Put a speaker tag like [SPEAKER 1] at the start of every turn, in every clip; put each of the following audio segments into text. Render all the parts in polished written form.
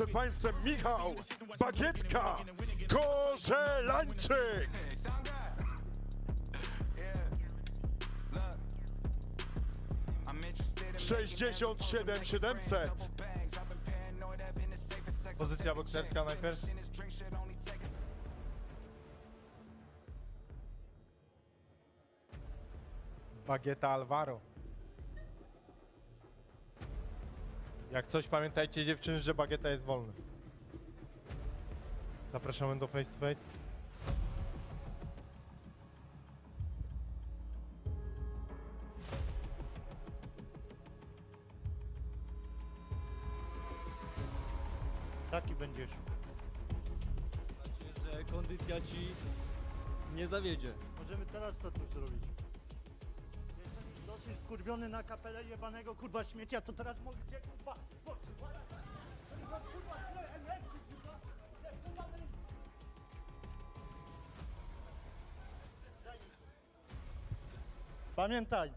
[SPEAKER 1] przed Państwem Michał Bagietka Korzelańczyk. 67 700.
[SPEAKER 2] Pozycja bokserska najpierw. Bagieta Alvaro. Jak coś, pamiętajcie dziewczyny, że Bagieta jest wolny. Zapraszamy do face to face.
[SPEAKER 3] Taki będziesz.
[SPEAKER 4] Mam nadzieję, że kondycja ci nie zawiedzie.
[SPEAKER 3] Możemy teraz to tu zrobić. Jestem już dosyć wkurwiony na kapelę jebanego kurwa śmiecia, to teraz możecie kurwa potrzymać. Kurwa, energii, kurwa. Kurwa, Daj mi to. Pamiętaj.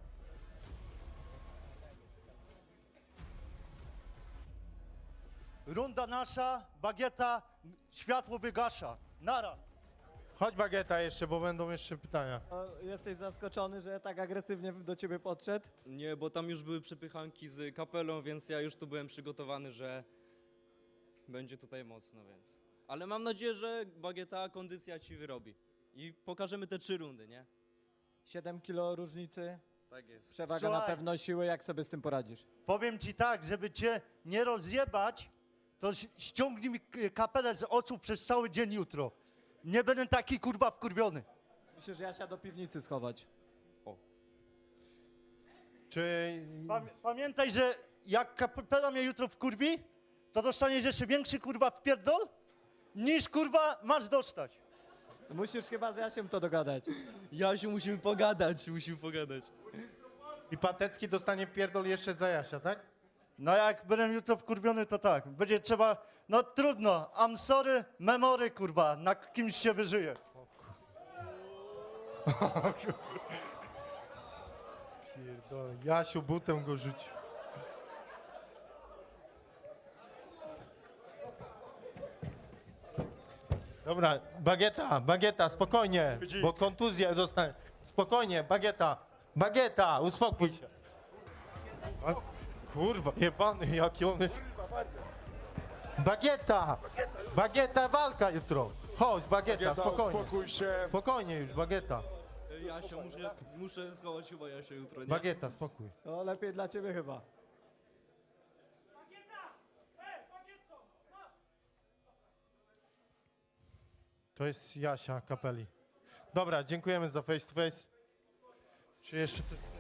[SPEAKER 3] Runda nasza, Bagieta, światło wygasza. Nara.
[SPEAKER 2] Chodź Bagieta jeszcze, bo będą jeszcze pytania.
[SPEAKER 5] Jesteś zaskoczony, że tak agresywnie do ciebie podszedł?
[SPEAKER 4] Nie, bo tam już były przepychanki z kapelą, więc ja już tu byłem przygotowany, że będzie tutaj mocno, więc. Ale mam nadzieję, że Bagieta kondycja ci wyrobi. I pokażemy te 3 rundy, nie?
[SPEAKER 5] 7 kilo różnicy,
[SPEAKER 4] Tak jest.
[SPEAKER 5] przewaga na
[SPEAKER 3] Słuchaj.
[SPEAKER 5] pewno siły, jak sobie z tym poradzisz?
[SPEAKER 3] Powiem ci tak, żeby cię nie rozjebać, to ściągnij mi kapelę z oczu przez cały dzień jutro. Nie będę taki kurwa wkurwiony.
[SPEAKER 5] Musisz Jasia do piwnicy schować.
[SPEAKER 2] Czy...
[SPEAKER 3] Pamiętaj, że jak kapela mnie jutro wkurwi, to dostaniesz jeszcze większy kurwa wpierdol, niż kurwa masz dostać.
[SPEAKER 5] Musisz chyba z Jasiem to dogadać.
[SPEAKER 4] Jasiu, musimy pogadać.
[SPEAKER 2] I Patecki dostanie pierdol jeszcze za Jasia, tak?
[SPEAKER 3] No jak będę jutro wkurwiony, to tak. Będzie trzeba, no trudno, I'm sorry, memory kurwa, na kimś się wyżyje.
[SPEAKER 2] Pierdolę. Jasiu butem go rzucił. Dobra, Bagieta, spokojnie, bo kontuzja dostanie. Spokojnie, Bagieta, uspokój się. A, kurwa, jebany, jaki on jest. Bagieta, walka jutro. Chodź, Bagieta, spokojnie.
[SPEAKER 1] Uspokój się.
[SPEAKER 2] Spokojnie już, Bagieta.
[SPEAKER 4] Jasio, muszę schować chyba Jasia jutro, nie?
[SPEAKER 2] Bagieta, spokój.
[SPEAKER 5] No lepiej dla ciebie chyba.
[SPEAKER 2] To jest Jasia Kapeli. Dobra, dziękujemy za face to face. Czy jeszcze coś?